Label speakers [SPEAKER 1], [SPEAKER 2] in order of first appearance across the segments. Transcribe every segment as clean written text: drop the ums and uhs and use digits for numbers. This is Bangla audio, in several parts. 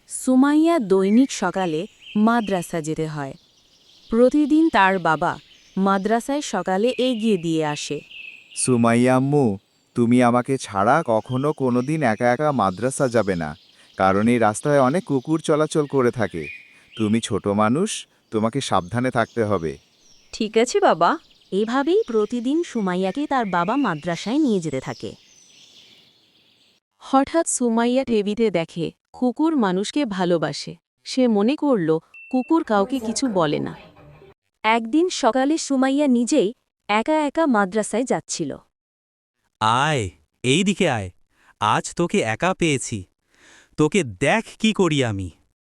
[SPEAKER 1] সুমাইয়া দৈনিক সকালে মাদ্রাসা যেতে হয়। প্রতিদিন তার বাবা মাদ্রাসায় সকালে এগিয়ে দিয়ে আসে।
[SPEAKER 2] সুমাইয়া আম্মু, তুমি আমাকে ছাড়া কখনো কোনোদিন একা একা মাদ্রাসা যাবে না, কারণ এই রাস্তায় অনেক কুকুর চলাচল করে থাকে। তুমি ছোট মানুষ, তোমাকে সাবধানে থাকতে হবে।
[SPEAKER 1] ঠিক আছে বাবা। এভাবেই প্রতিদিন সুমাইয়াকে তার বাবা মাদ্রাসায় নিয়ে যেতে থাকে। হঠাৎ সুমাইয়া টিভিতে দেখে কুকুর মানুষকে ভালোবাসে। সে মনে করল কুকুর কাউকে কিছু বলে না। একদিন সকালে সুমাইয়া নিজেই একা একা মাদ্রাসায় যাচ্ছিল।
[SPEAKER 3] আয়, এই দিকে আয়। আজ তোকে একা পেয়েছি। তোকে দেখ কি করি আমি।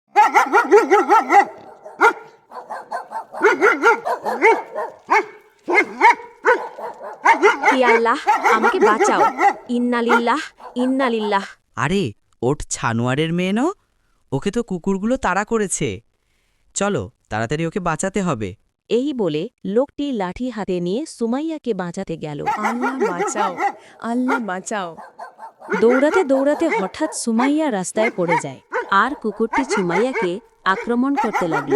[SPEAKER 1] হে আল্লাহ, আমাকে বাঁচাও। ইন্নালিল্লাহ ইন্নালিল্লাহ।
[SPEAKER 4] আরে, ওঠ ছানোয়ারের মেয়ে ন? ওকে তো কুকুরগুলো তাড়া করেছে। চলো, তাড়াতাড়ি ওকে বাঁচাতে হবে।
[SPEAKER 1] এই বলে লোকটি লাঠি হাতে নিয়ে সুমাইয়াকে বাঁচাতে গেল।
[SPEAKER 5] আল্লাহ বাঁচাও, আল্লাহ বাঁচাও।
[SPEAKER 1] দৌড়াতে দৌড়াতে হঠাৎ সুমাইয়া রাস্তায় পড়ে যায়, আর কুকুরটি সুমাইয়াকে আক্রমণ করতে লাগল।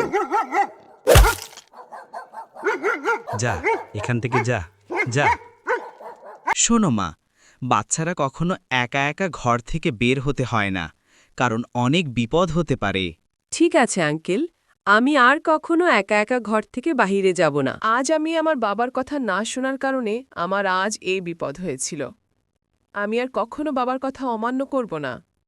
[SPEAKER 3] যা, এখান থেকে যা, যা।
[SPEAKER 4] শোনো মা, বাচ্চারা কখনো একা একা ঘর থেকে বের হতে হয় না, কারণ অনেক বিপদ হতে পারে।
[SPEAKER 5] ঠিক আছে আঙ্কেল, আমি আর কখনো একা একা ঘর থেকে বাহিরে যাব না। আজ আমি আমার বাবার কথা না শোনার কারণে আমার আজ এই বিপদ হয়েছিল। আমি আর কখনো বাবার কথা অমান্য করব না।